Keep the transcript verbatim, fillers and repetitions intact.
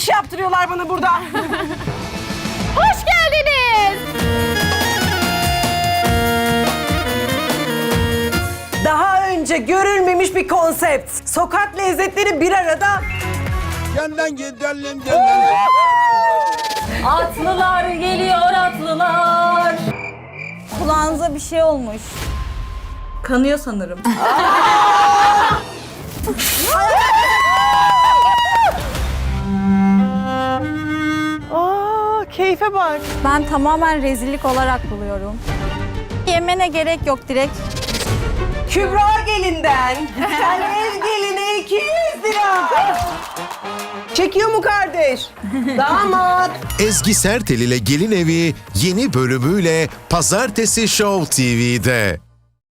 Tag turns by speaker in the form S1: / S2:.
S1: iş yaptırıyorlar bana burada.
S2: Hoş geldiniz.
S1: Daha önce görülmemiş bir konsept. Sokak lezzetleri bir arada.
S3: Yandan gidelim yandan.
S2: Atlılar geliyor atlılar.
S4: Kulağınıza bir şey olmuş.
S2: Kanıyor sanırım.
S1: Aa, keyfe bak.
S4: Ben tamamen rezillik olarak buluyorum. Yemene gerek yok, direkt.
S1: Kübra gelinden. Sen ev geline iki yüz lira. Çekiyor mu kardeş? Damat.
S5: Ezgi Sertel ile Gelin Evi yeni bölümüyle Pazartesi Show T V'de.